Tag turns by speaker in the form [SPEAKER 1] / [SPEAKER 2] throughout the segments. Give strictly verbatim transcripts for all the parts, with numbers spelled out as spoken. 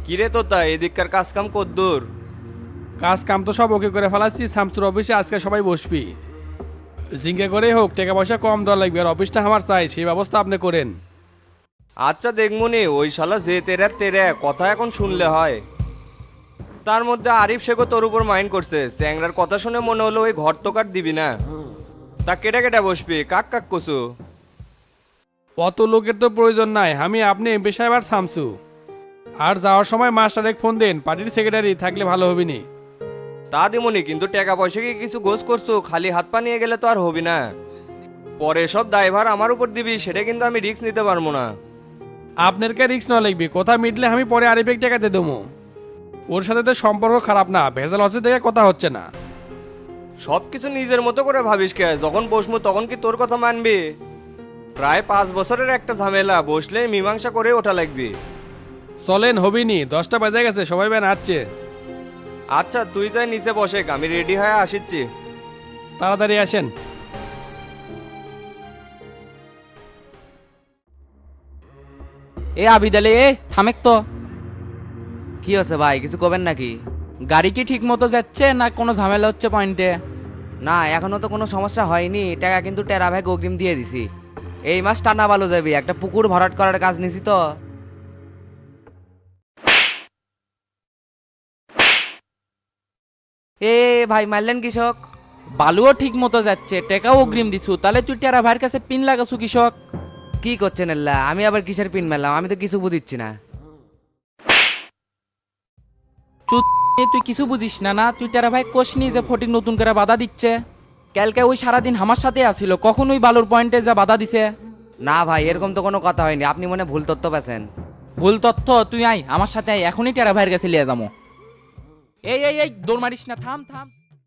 [SPEAKER 1] কিরে তোতা এদিককার কাজ কাম কদ্দুর?
[SPEAKER 2] কাজ কাম তো সব ওকে করে ফেলাচ্ছি। শামসুর অফিসে আজকে সবাই বসবি। জিঙ্কে করেই হোক, টাকা পয়সা কম দেওয়া লাগবে, আর অফিসটা আমার চাই, সেই ব্যবস্থা আপনি করেন।
[SPEAKER 1] আচ্ছা দেখমুনি, ওই শালা যে তেরে তেরে কথা এখন শুনলে হয়। তার মধ্যে আরিফ শেখও তোর উপর মাইন্ড করছে, চ্যাংরার কথা শুনে মনে হলো ওই ঘর তো কাট দিবি না। তা কেটে কেটে বসবি, কাক কাক কসু।
[SPEAKER 2] অত লোকের তো প্রয়োজন নাই, আমি আপনি এমপি সাহেব আর শামসু। আর যাওয়ার সময় মাস্টার এক ফোন দেন, পার্টির সেক্রেটারি থাকলে ভালো হবে নি।
[SPEAKER 1] তা দিমুনি, কিন্তু টাকা পয়সা কি কিছু গোছ করছো? খালি হাত পা নিয়ে গেলে তো আর হবি না। পরে সব দায়ভার আমার উপর দিবি, সেটা কিন্তু আমি রিস্ক নিতে পারবো না।
[SPEAKER 2] আপনার কে রিক্স না লাগবে, কথা মিটলে আমি পরে আরিফেক টাকা দিয়ে দেবো। ওর সাথে তো সম্পর্ক খারাপ না, ভেজাল হচ্ছে দেখে কথা হচ্ছে না।
[SPEAKER 1] সব কিছু নিজের মতো করে ভাবিস কে? যখন বসবো তখন কি তোর কথা মানবি? প্রায় পাঁচ বছরের একটা ঝামেলা, বসলে মীমাংসা করে ওঠা লাগবে।
[SPEAKER 2] চলেন, হবিনি, দশটা বাজে গেছে, সবাই বেন আসছে।
[SPEAKER 1] আচ্ছা তুই যাই নিচে বসে, আমি রেডি হয়ে আসিচ্ছি।
[SPEAKER 2] তাড়াতাড়ি আসেন।
[SPEAKER 3] এ আবিদালে, এ থামেক তো।
[SPEAKER 4] কি হচ্ছে ভাই, কিছু করবেন নাকি?
[SPEAKER 3] গাড়ি কি ঠিক মতো যাচ্ছে না কোনো ঝামেলা হচ্ছে পয়েন্টে?
[SPEAKER 4] না, এখনো তো কোনো সমস্যা হয়নি। টাকা কিন্তু টেরা ভাই অগ্রিম দিয়ে দিছি। এই মাস টানা ভালো যাবে, একটা পুকুর ভরাট করার কাজ নিছি তো। এ ভাই মারলেন কৃষক।
[SPEAKER 3] বালুও ঠিক মতো যাচ্ছে, টেকাও অগ্রিম দিছু, তাহলে তুই টেরা ভাইয়ের কাছে পিন লাগাছু কৃষক?
[SPEAKER 4] কি করছেন এল্লা? আমি আবার কিসের পিন মারলাম? আমি তো কিছু বুঝিচ্ছি না।
[SPEAKER 3] চুত, তুই কিছু বুঝিস না না? তুই টেরা ভাই কোশনি যে ফটিক নতুন করে বাধা দিচ্ছে? কালকে ওই সারাদিন আমার সাথে আসিল, কখন ওই বালুর পয়েন্টে যা বাধা দিছে?
[SPEAKER 4] না ভাই, এরকম তো কোনো কথা হয়নি। আপনি মনে হয় ভুল তথ্য পেয়েছেন।
[SPEAKER 3] ভুল তথ্য? তুই আয় আমার সাথে, আয় এখনই টেরা ভাইয়ের কাছে লিয়ে যাবো। এই এই এই দৌড় মারিস না, থাম থাম।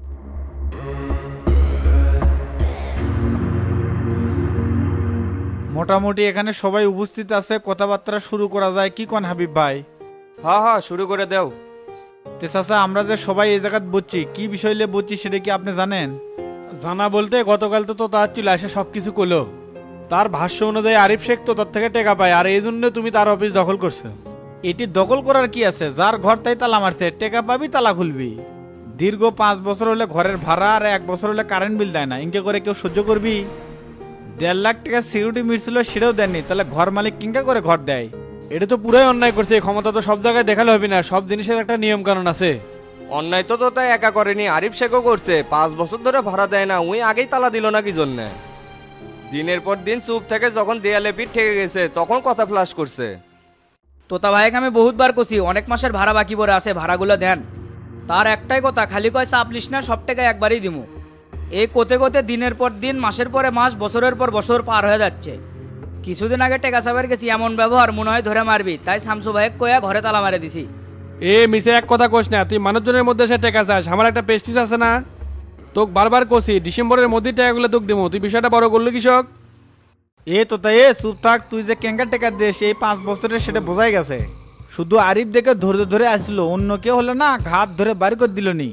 [SPEAKER 5] মোটামুটি এখানে সবাই উপস্থিত আছে, কথাবার্তা শুরু করা যায় কি কোন হাবিব ভাই?
[SPEAKER 1] হ্যাঁ হ্যাঁ শুরু করে দেও।
[SPEAKER 5] তে চাচা, আমরা যে সবাই এই জায়গায় বসছি, কি বিষয় নিয়ে বসছি সেটা কি আপনি জানেন?
[SPEAKER 2] জানা বলতে গতকাল তো তো তার চলে আসে সব কিছু করলো। তার ভাষ্য অনুযায়ী আরিফ শেখ তো তার থেকে টাকা পায়, আর এই জন্য তুমি তার অফিস দখল করছো।
[SPEAKER 5] এটি দখল করার কি আছে? যার ঘর তাই তালা মারছে, টেকা পাবি তালা খুলবি। দীর্ঘ পাঁচ বছর হলে ঘরের ভাড়া আর এক বছর হলে কারেন্ট বিল দেয় না, ইনকে করে কেউ সহ্য করবি? দেড় লাখ টাকা সিকিউরিটি মিটছিল, সেটাও দেননি, তাহলে ঘর মালিক কিংকা করে ঘর দেয়?
[SPEAKER 2] এটা তো পুরাই অন্যায় করছে, এই ক্ষমতা তো সব জায়গায় দেখালে হবে না, সব জিনিসের একটা নিয়ম কানুন আছে।
[SPEAKER 1] অন্যায় তো তো তাই একা করেনি, আরিফ শেখও করছে। পাঁচ বছর ধরে ভাড়া দেয় না, উই আগেই তালা দিল না কি জন্যে? দিনের পর দিন চুপ থেকে যখন দেয়ালে পিঠ ঠেকে গেছে তখন কথা ফ্লাশ করছে।
[SPEAKER 6] তোতা ভাইকে আমি বহুতবার কছি, অনেক মাসের ভাড়া বাকি পড়ে আছে, ভাড়াগুলো দেন। তার একটাই কথা, খালি কয় চাপ লিস না, সব টাকা একবারই দিমু। এই কোতে কোতে দিনের পর দিন, মাসের পরে মাস, বছরের পর বছর পার হয়ে যাচ্ছে। কিছুদিন আগে টেকা চাপের গেছি, এমন ব্যবহার মনে হয় ধরে মারবি, তাই শামসু ভাইক কয়া ঘরে তালা মারে দিছি।
[SPEAKER 2] এ মিসে এক কথা কোস না, তুই মানুষজনের মধ্যে সে টাকা চাস, আমার একটা পেস্টিস আছে না? তোকে বারবার কষি ডিসেম্বরের মধ্যে টাকাগুলো তোকে দেবো, তুই বিষয়টা বড় করলো কৃষক।
[SPEAKER 5] এ তো তাই, এ চুপ থাক। তুই যে কেঙ্কা টেকা দিস এই পাঁচ বছরের, সেটা বোঝাই গেছে। শুধু আরিফ দেখে ধৈর্য ধরে আসলো, অন্য কেউ হলে না ঘাত ধরে বাড়ি করে দিল নি।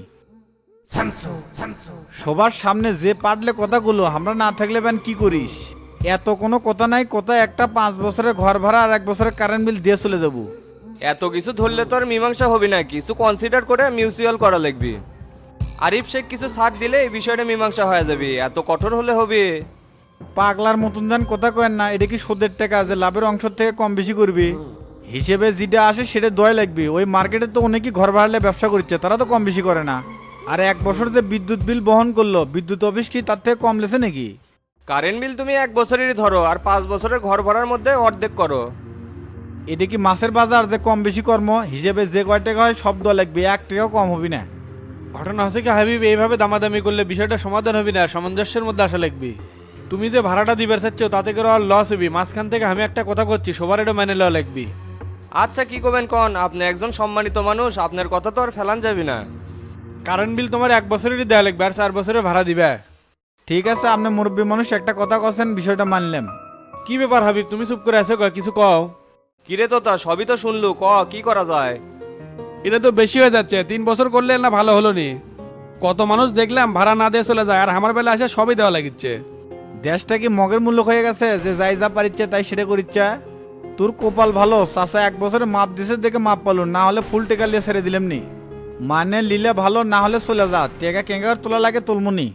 [SPEAKER 5] সবার সামনে যে পারলে কথাগুলো, আমরা না থাকলে ব্যান কি করিস? এত কোনো কথা নাই, কথা একটা, পাঁচ বছরের ঘর ভাড়া আর এক বছরের কারেন্ট বিল দিয়ে চলে যাবো।
[SPEAKER 1] এত কিছু ধরলে তো আর মীমাংসা হবি না, কিছু কনসিডার করে মিউচুয়াল করা লাগবে। আরিফ শেখ কিছু ছাড় দিলে এই বিষয়টা মীমাংসা হয়ে যাবে, এত কঠোর হলে হবে?
[SPEAKER 5] পাগলার মতন যান কথা কেন না, এটা কি সুদের টাকা যে লাভের অংশ থেকে কম বেশি করবি? হিসেবে যেটা আসে সেটা দয় লাগবে। ওই মার্কেটে তো অনেকেই ঘর ভাড়ালে ব্যবসা করছে, তারা তো কম বেশি করে না। আর এক বছর যে বিদ্যুৎ বিল বহন করলো, বিদ্যুৎ অফিস কি তার থেকে কম লেছে নাকি?
[SPEAKER 1] কারেন্ট বিল তুমি এক বছরেরই ধরো, আর পাঁচ বছরের ঘর ভাড়ার মধ্যে অর্ধেক করো।
[SPEAKER 5] এটা কি মাছের বাজার যে কম বেশি কর্ম? হিসেবে যে কয় টাকা হয় সব দেওয়া লাগবে, এক টাকাও কম হবি না।
[SPEAKER 2] ঘটনা হচ্ছে কি হাবিব, এইভাবে দামাদামি করলে বিষয়টা সমাধান হবে না, সামঞ্জস্যের মধ্যে আসা লাগবে। তুমি যে ভাড়াটা দিবার চাচ্ছ তাতে করে আর লস হবি, মাঝখান থেকে আমি একটা কথা করছি, সবার এটা মেনে লওয়া লাগবে।
[SPEAKER 1] আচ্ছা কি করবেন কন, আপনি একজন সম্মানিত মানুষ, আপনার কথা তো আর ফেলান যাবে না।
[SPEAKER 2] কারেন্ট বিল তোমার এক বছরেরই দেওয়া লাগবে, আর চার বছরের ভাড়া দিবে।
[SPEAKER 5] ঠিক আছে, আপনি মুরব্বী মানুষ, একটা কথা কছেন, বিষয়টা মানলাম।
[SPEAKER 2] কি ব্যাপার হাবিব, তুমি চুপ করে আছো, কিছু কও।
[SPEAKER 1] কিরে তো তা সবই তো শুনলু, ক কি করা যায়?
[SPEAKER 2] এটা তো বেশি হয়ে যাচ্ছে, তিন বছর করলে না ভালো হলো নি? কত মানুষ দেখলাম ভাড়া না দিয়ে চলে যায়, আর আমার বেলা এসে সবই দেওয়া লাগিচ্ছে।
[SPEAKER 5] দেশটা কি মগের মূল্য হয়ে গেছে যে যাই যা পারিচ্ছে তাই সেটা করিচ্ছে? তোর কপাল ভালো, চাচা এক বছরে মাপ দিছে দেখে মাপ পালো, না হলে ফুল টেকা লিয়ে ছেড়ে দিলাম নি। মানে লিলে ভালো, না হলে চলে যা, টেকা কেঙ্গার তোলা লাগে তুলমুনি।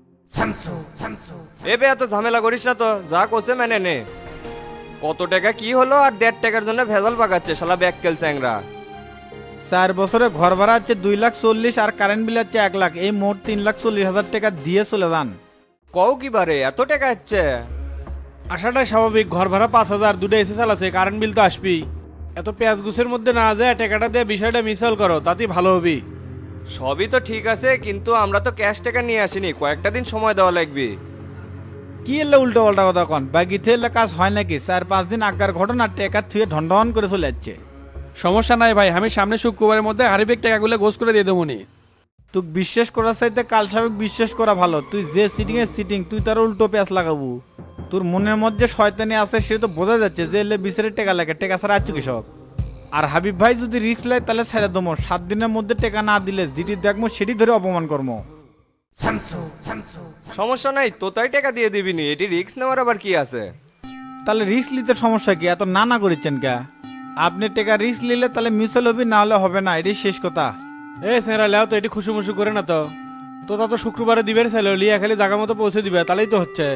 [SPEAKER 1] এ বে এত ঝামেলা করিস না তো, যা কোসে মেনে নে। কত টাকা কি হলো আর দেড় টাকার জন্য ভেজাল পাকাচ্ছে শালা ব্যাককেল চ্যাংরা।
[SPEAKER 5] চার বছরে ঘর ভাড়া হচ্ছে দুই লাখ চল্লিশ আর কারেন্ট বিল হচ্ছে এক লাখ, এই মোট তিন লাখ চল্লিশ হাজার টাকা দিয়ে চলে যান।
[SPEAKER 1] কও কি বারে এত টাকা হচ্ছে?
[SPEAKER 2] আসাটাই স্বাভাবিক, ঘর ভাড়া পাঁচ হাজার, দুটো এসি চালাচ্ছে, কারেন্ট বিল তো আসবেই। এত পেঁয়াজ গুছের মধ্যে না যায় টাকাটা দিয়ে বিষয়টা মিসাল করো, তাতেই ভালো হবি।
[SPEAKER 1] সবই তো ঠিক আছে, কিন্তু আমরা তো ক্যাশ টাকা নিয়ে আসিনি, কয়েকটা দিন সময় দেওয়া লাগবে।
[SPEAKER 5] কি এলে উল্টো পাল্টা কথা কন, বাকিতে এলে কাজ হয় নাকি? চার পাঁচ দিন আগার ঘটনা টেকা থুয়ে ঢন করে চলে যাচ্ছে।
[SPEAKER 7] সমস্যা নাই ভাই, আমি সামনে শুক্রবারের মধ্যে হারিবেক টাকাগুলো গোস করে দিয়ে দেবো নি।
[SPEAKER 5] তুই বিশ্বাস করার চাইতে কাল সাবেক বিশ্বাস করা ভালো। তুই যে সিটিং এর সিটিং, তুই তার উল্টো পেঁচ লাগাবো। তোর মনের মধ্যে শয়তানি আছে সে তো বোঝা যাচ্ছে, যে এলে বিচারে টেকা লাগে, টেকা ছাড়া আছো কৃষক। আর হাবিব ভাই যদি রিস্ক লাই তাহলে ছেড়ে দমো, সাত দিনের মধ্যে টেকা না দিলে যেটি দেখবো সেটি ধরে অপমান করবো।
[SPEAKER 1] সমস্যা নাই, তো তাই টাকা দিয়ে দিবি নি, এটি রিস্ক নেওয়ার আবার কি আছে?
[SPEAKER 5] তাহলে রিস্ক নিতে সমস্যা কি? এত না না করেছেন কে? আপনি টেকা রিস্ক নিলে তাহলে মিসল হবি, না হলে হবে না, এটাই শেষ কথা।
[SPEAKER 2] এ সেরা লেও তো এটি খুশু মুশু করে না তো, তো তা তো শুক্রবারে দিবের ছিল, লিয়া খালি জায়গা মতো পৌঁছে দিবে, তাহলেই তো হচ্ছে।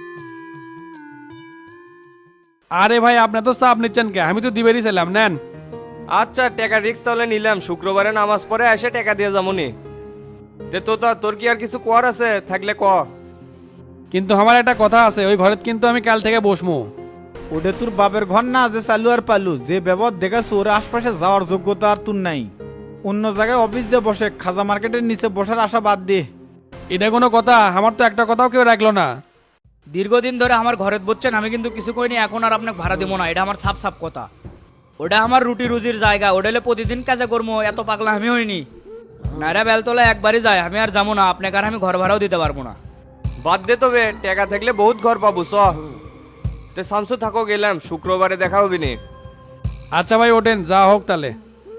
[SPEAKER 7] আরে ভাই আপনি তো চাপ নিচ্ছেন কে, আমি তো দিবেরই ছিলাম, নেন।
[SPEAKER 1] আচ্ছা টাকা রিস্ক তাহলে নিলাম, শুক্রবারে নামাজ পড়ে এসে টাকা দিয়ে যাবনি। তে তো তা তোর কি আর কিছু কর আছে? থাকলে ক।
[SPEAKER 7] কিন্তু আমার একটা কথা আছে, ওই ঘরে কিন্তু আমি কাল থেকে বসমু।
[SPEAKER 5] ওটা তোর বাপের ঘর না যে চালু আর পালু, যে ব্যবহার দেখাচ্ছ ওর আশপাশে যাওয়ার যোগ্যতা আর তোর নাই। অন্য জায়গায় অফিস দিয়ে বসে, খাজা মার্কেটের নিচে বসার আশা বাদ দে।
[SPEAKER 7] এটা কোনো কথা? আমার তো একটা কথাও কেউ রাখলো না।
[SPEAKER 6] দীর্ঘদিন ধরে আমার ঘরে বসছেন, আমি কিন্তু কিছু করিনি, এখন আর আপনাকে ভাড়া দেবো না, এটা আমার সাপ সাপ কথা। ওটা আমার রুটি রুজির জায়গা, ওটা হলে প্রতিদিন কাজে করবো, এত পাগলা আমি হইনি। নাইরা বেলতলা একবারই যায়, আমি আর যাবো না, আপনাকে আর আমি ঘর ভাড়াও দিতে পারবো না।
[SPEAKER 1] বাদ দে তবে, টাকা থাকলে বহুত ঘর পাবো চ। তে শামসু থাকো, গেলাম, শুক্রবারে দেখা হবি নি।
[SPEAKER 7] আচ্ছা ভাই ওঠেন, যা হোক তাহলে।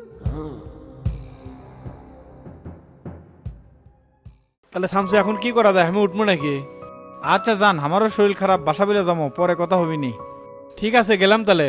[SPEAKER 2] তাহলে শামসু এখন কি করা যায়, আমি উঠবো নাকি?
[SPEAKER 5] আচ্ছা যান, আমারও শরীর খারাপ, বাসা বিলে যাবো, পরে কথা হবি নি।
[SPEAKER 2] ঠিক আছে, গেলাম তাহলে।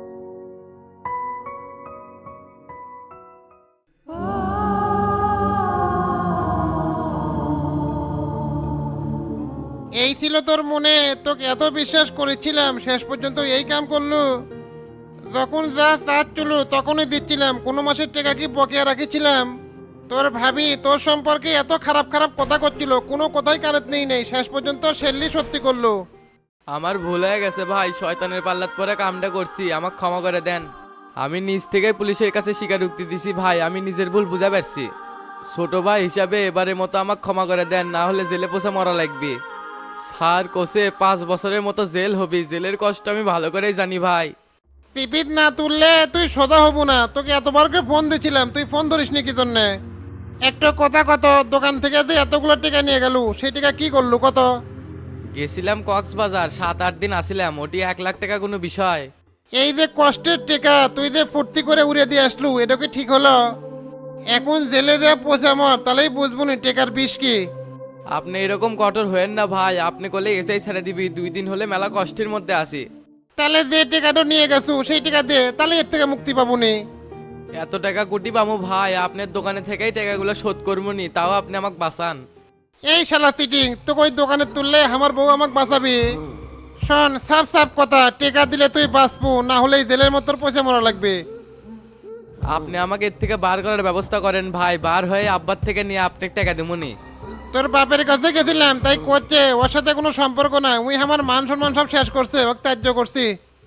[SPEAKER 8] এই ছিল তোর মনে, তোকে এত বিশ্বাস করেছিলাম, শেষ পর্যন্ত এই কাম করলো। যখন যা চাচ্ছিল তখনই দিচ্ছিলাম, কোনো মাসের টাকা কি বকেয়া রাখেছিলাম? তোর ভাবি তোর সম্পর্কে এত খারাপ খারাপ কথা করছিল, কোনো কথাই কানেত নেই নেই, শেষ পর্যন্ত সেল্লি সত্যি করলো।
[SPEAKER 9] আমার ভুল হয়ে গেছে ভাই, শয়তানের পাল্লাত পরে কামটা করছি, আমাকে ক্ষমা করে দেন। আমি নিজ থেকে পুলিশের কাছে স্বীকারোক্তি দিছি ভাই, আমি নিজের ভুল বুঝা পারছি। ছোট ভাই হিসাবে এবারের মতো আমাকে ক্ষমা করে দেন, না হলে জেলে পোষা মরা লাগবে। স্যার কোসে পাঁচ বছরের মতো জেল হবি, জেলের কষ্ট আমি ভালো করেই জানি ভাই।
[SPEAKER 8] সিপিত না তুললে তুই সোজা হব না, তোকে এতবারকে ফোন দিছিলাম, তুই ফোন ধরিস নি কি জন্যে? একটা কথা কত, দোকান থেকে যে এতগুলো টাকা নিয়ে গেল, সেই টাকা কি করলু কত?
[SPEAKER 9] গেছিলাম কক্সবাজার, সাত আট দিন আসিলাম, ওটি এক লাখ টাকা কোনো বিষয়?
[SPEAKER 8] এই যে কষ্টের টাকা তুই যে ফুর্তি করে উড়ে দিয়ে আসলু, এটা কি ঠিক হলো? এখন জেলে দেয়া পচে মর, তাহলেই বুঝবো নি টেকার বিষ কি।
[SPEAKER 9] আপনি এরকম কঠোর হয়েন না ভাই, আপনি করলে এসেই ছেড়ে দিবি, দুই দিন হলে মেলা কষ্টের মধ্যে আসি।
[SPEAKER 8] তাহলে যে টাকাটা নিয়ে গেছো সেই টাকা দে, তাহলে এর থেকে মুক্তি পাবো নি।
[SPEAKER 9] এত টাকা কোটি পামু ভাই, আপনার দোকানে থেকেই টাকাগুলো শোধ করবো নি, তাও আপনি আমাকে বাঁচান।
[SPEAKER 8] এই শালা সিটিং, তো ওই দোকানে তুললে আমার বউ আমাকে বাঁচাবি? শোন, সাফ সাফ কথা, টাকা দিলে তুই বাঁচবো, না হলে এই জেলের মতো পয়সা মরা লাগবে।
[SPEAKER 9] আপনি আমাকে এর থেকে বার করার ব্যবস্থা করেন ভাই, বার হয়ে আব্বার থেকে নিয়ে আপনাকে টাকা দেবনি।
[SPEAKER 8] তোর বাপের কাছে গেছিলাম তাই করছে, ওর সাথে কোনো সম্পর্ক না, উই আমার মান সম্মান সব শেষ করছে, ওকে ত্যায্য করছি।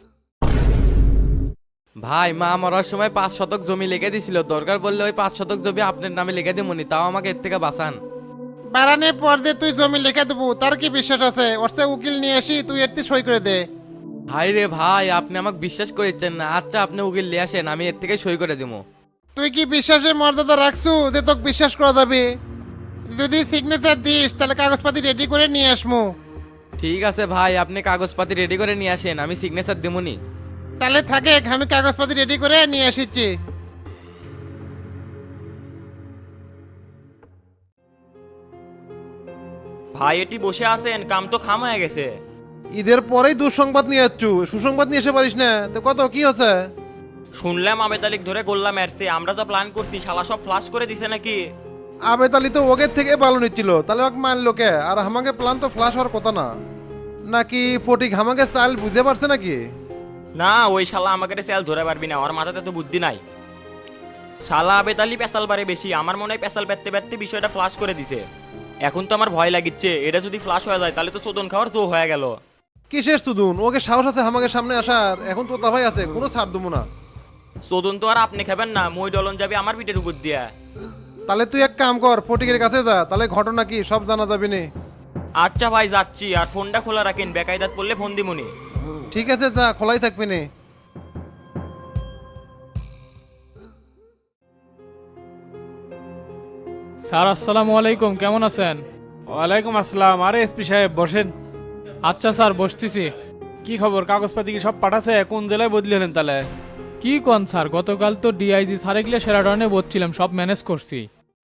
[SPEAKER 9] ভাই মা মরার সময় পাঁচ শতক জমি লিখে দিছিল, দরকার পড়লে ওই পাঁচ শতক জমি আপনার নামে লিখে দেবনি, তাও আমাকে এর থেকে বাঁচান।
[SPEAKER 8] বাড়ানোর পর যে তুই জমি লিখে দেবো তার কি বিশ্বাস আছে? ওর সে উকিল নিয়ে আসি, তুই এর সই করে দে।
[SPEAKER 9] ভাই রে ভাই, আপনি আমাকে বিশ্বাস করেছেন না, আচ্ছা আপনি উকিল নিয়ে আসেন, আমি এর থেকে সই করে দিব।
[SPEAKER 8] তুই কি বিশ্বাসের মর্যাদা রাখছু যে তোকে বিশ্বাস করা যাবে? যদি সিগনেচার দিস তাহলে কাগজপাতি রেডি করে নিয়ে আসমু।
[SPEAKER 9] ঠিক আছে ভাই, আপনি কাগজপাতি রেডি করে নিয়ে আসেন, আমি সিগনেচার দেবনি।
[SPEAKER 8] তাহলে থাকে, আমি কাগজপাতি রেডি করে নিয়ে আসিচ্ছি।
[SPEAKER 10] ভাই এটি বসে আছেন, কাম তো খাম হয়ে গেছে।
[SPEAKER 8] ঈদের পরেই দুঃসংবাদ নিয়ে যাচ্ছু, সুসংবাদ নিয়ে এসে পারিস না তো? কত কি হচ্ছে?
[SPEAKER 10] শুনলাম আবেদ আলিক ধরে গোল্লা মারছে, আমরা যা প্ল্যান করছি শালা সব ফ্লাশ করে দিছে নাকি?
[SPEAKER 8] আবেদ আলী তো ওগের থেকে ভালো নিচ্ছিল, তাহলে ওকে মারলো কে? আর আমাকে প্ল্যান তো ফ্লাশ হওয়ার কথা না। নাকি ফটিক আমাকে চাল বুঝতে পারছে নাকি?
[SPEAKER 10] না, ওই শালা আমাকে স্যাল ধরে পারবি না, ওর মাথাতে তো বুদ্ধি নাই। শালা আবেদ আলী পেশাল বারে বেশি, আমার মনে হয় পেশাল পেতে পেতে বিষয়টা ফ্লাশ করে দিছে। এখন তো আমার ভয় লাগিচ্ছে, এটা যদি ফ্লাশ হয়ে যায় তাহলে তো চোদন খাওয়ার জো হয়ে গেল।
[SPEAKER 8] কিসের সুদুন? ওকে সাহস আছে আমাকে সামনে আসার? এখন তো ভাই আছে, কোনো ছাড় দেবো না।
[SPEAKER 10] চোদন তো আর আপনি খাবেন না, মই ডলন যাবে আমার পিঠের উপর দিয়া।
[SPEAKER 8] তাহলে তুই এক কাম কর, ফটিকের কাছে যা, তাহলে ঘটনা কি সব জানা যাবে নি।
[SPEAKER 10] আচ্ছা ভাই যাচ্ছি, আর ফোনটা খোলা রাখেন, বেকায়দাত পড়লে ফোন দিমুনি।
[SPEAKER 8] ঠিক আছে, যা, খোলাই থাকবি নি।
[SPEAKER 11] স্যার আসসালামু আলাইকুম, কেমন আছেন?
[SPEAKER 2] ওয়ালাইকুম আসসালাম। আরে এসপি সাহেব বসেন।
[SPEAKER 11] আচ্ছা স্যার বসতেছি।
[SPEAKER 2] কি খবর, কাগজপাতি কি সব পাঠাছে? কোন জেলায় বদলি হলেন তাহলে?
[SPEAKER 11] কি কোন স্যার, গতকাল তো ডিআইজি স্যারে গিয়ে সেরাটনে বসছিলাম, সব ম্যানেজ করছি।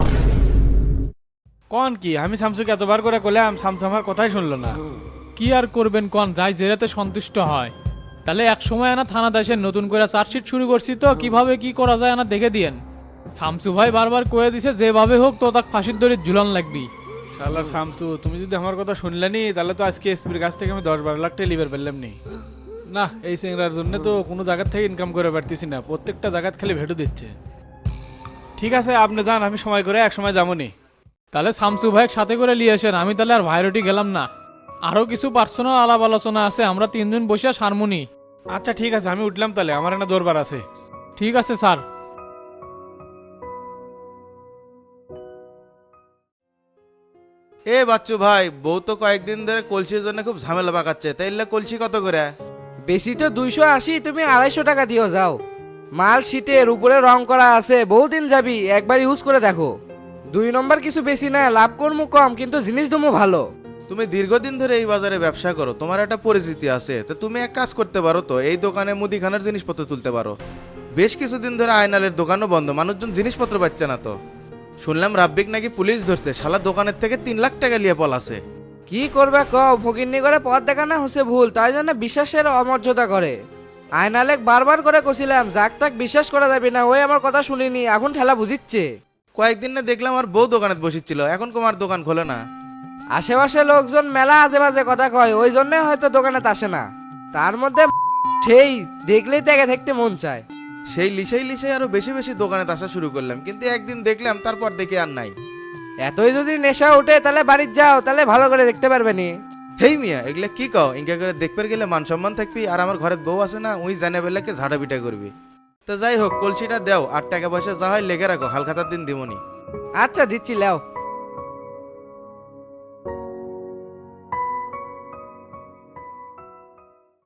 [SPEAKER 2] কোন কি? আমি শামসুকে এতবার করে কইলাম, শামসু আমার কথাই শুনলো না।
[SPEAKER 11] কি আর করবেন কোন, যাই জেরাতে সন্তুষ্ট হয়। তাহলে এক সময় আনা থানা দেশে নতুন করে চার্জশিট শুরু করছি, তো কিভাবে কি করা যায় আনা দেখে দিয়েন। শামসু ভাই বারবার কয়ে দিছে যেভাবে হোক তো তাক ফাঁসির দড়ি ঝুলন লাগবি।
[SPEAKER 2] শালা শামসু, তুমি যদি আমার কথা শুনলেনি তাহলে তো আজকে এসপির কাছ থেকে আমি দশ বারো লাখ টাকা লিভার পেলাম নি। না, এই সিংড়ার জন্য তো কোনো জায়গার থেকে ইনকাম করে পারতেছি না, প্রত্যেকটা জায়গাত খালি ভেটু দিচ্ছে। ঠিক আছে আপনি যান, আমি সময় করে এক সময় যাবো নি।
[SPEAKER 11] তাহলে শামসু ভাই সাথে করে নিয়ে আসেন, আমি তাহলে আর ভাইরটি গেলাম না। আরও কিছু পার্সোনাল আলাপ আলোচনা আছে, আমরা তিনজন বসে সারমুনি।
[SPEAKER 2] আচ্ছা ঠিক আছে, আমি উঠলাম তাহলে, আমার একটা দরবার আছে।
[SPEAKER 11] ঠিক আছে স্যার।
[SPEAKER 12] এ বাচ্চু ভাই, বউ তো কয়েকদিন ধরে কলসির জন্য খুব ঝামেলা পাকাচ্ছে, তাইলে কলসি কত করে?
[SPEAKER 4] বেশি তো দুইশো আশি, তুমি আড়াইশো টাকা দিও যাও। মাল শীটের উপরে রং করা আছে, বহুদিন যাবি, একবার ইউজ করে দেখো। দুই নম্বর কিছু বেশি না, লাভ কর্ম কম, কিন্তু জিনিস দমও ভালো।
[SPEAKER 12] তুমি দীর্ঘদিন ধরে এই বাজারে ব্যবসা করো, তোমার একটা পরিচিতি আছে, তো তুমি এক কাজ করতে পারো তো, এই দোকানে মুদিখানার জিনিসপত্র তুলতে পারো। বেশ কিছুদিন ধরে আয়নালের দোকানও বন্ধ, মানুষজন জিনিসপত্র পাচ্ছে না তো। শুনলাম রাব্বিক নাকি পুলিশ ধরছে, শালা দোকানের থেকে তিন লাখ টাকা নিয়ে পলাছে।
[SPEAKER 4] কি করবে কও, ফকিরনি করে পথ দেখানো হচ্ছে ভুল, তাই জন্য বিশ্বাসের অমর্যাদা করে। আয়নালেক বারবার করে কছিলাম যাক তাক বিশ্বাস করা যাবে না, ওই আমার কথা শুনিনি, এখন ঠেলা বুঝিচ্ছে।
[SPEAKER 12] কয়েকদিন না দেখলাম আর বউ দোকানে বসেছিল, এখন তোমার দোকান খোলে না।
[SPEAKER 4] আশেপাশে লোকজন মেলা আজে বাজে কথা কয়, ওই জন্য হয়তো দোকানে আসে না। তার মধ্যে সেই দেখলেই তাকে দেখতে মন চায়।
[SPEAKER 12] সেই লিসেই লিসেই আরো বেশি বেশি দোকানে আসা শুরু করলাম, কিন্তু একদিন দেখলাম, তারপর দেখি আর নাই।
[SPEAKER 4] এতই যদি নেশা ওঠে তাহলে বাড়ির যাও, তাহলে ভালো করে দেখতে পারবে নি।
[SPEAKER 12] হেই মিয়া, এগুলা কি কও? ইনকা করে দেখতে গেলে মান সম্মান থাকবি, আর আমার ঘরের বউ আছে না, ওই জানে বেলাকে ঝাড়া পিটা করবি। তো যাই হোক, কলসিটা দেও, আর টাকা পয়সা যা হয় লেগে রাখো, হালখাতার দিন দিমনি।
[SPEAKER 4] আচ্ছা দিচ্ছি, লেও।